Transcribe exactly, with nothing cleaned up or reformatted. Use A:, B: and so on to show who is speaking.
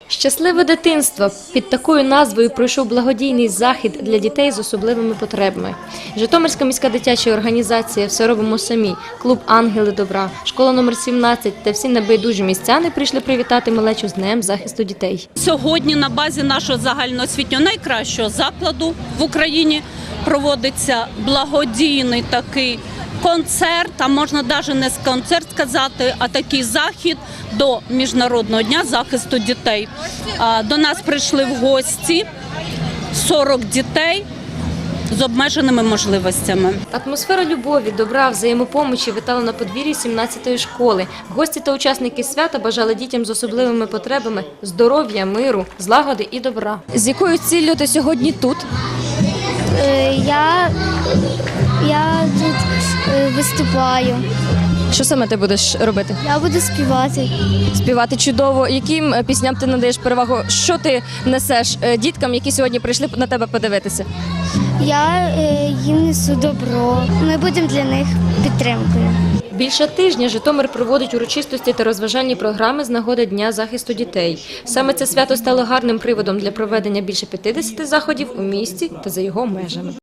A: Щасливе дитинство. Під такою назвою пройшов благодійний захід для дітей з особливими потребами. Житомирська міська дитяча організація «Все робимо самі», клуб «Ангели добра», школа номер сімнадцять та всі небайдужі містяни прийшли привітати малечу з Днем захисту дітей.
B: Сьогодні на базі нашого загальноосвітнього найкращого закладу в Україні проводиться благодійний такий концерт, а можна навіть не концерт сказати, а такий захід до Міжнародного дня захисту дітей. До нас прийшли в гості сорок дітей з обмеженими можливостями.
A: Атмосфера любові, добра, взаємопомочі витала на подвір'ї сімнадцятої школи. Гості та учасники свята бажали дітям з особливими потребами здоров'я, миру, злагоди і добра. З якою ціллю ти сьогодні тут?
C: Я, я тут виступаю.
A: Що саме ти будеш робити?
C: Я буду співати.
A: Співати чудово. Яким пісням ти надаєш перевагу? Що ти несеш діткам, які сьогодні прийшли на тебе подивитися?
C: Я їм несу добро. Ми будемо для них підтримкою.
A: Більше тижня Житомир проводить урочистості та розважальні програми з нагоди Дня захисту дітей. Саме це свято стало гарним приводом для проведення більше п'ятдесяти заходів у місті та за його межами.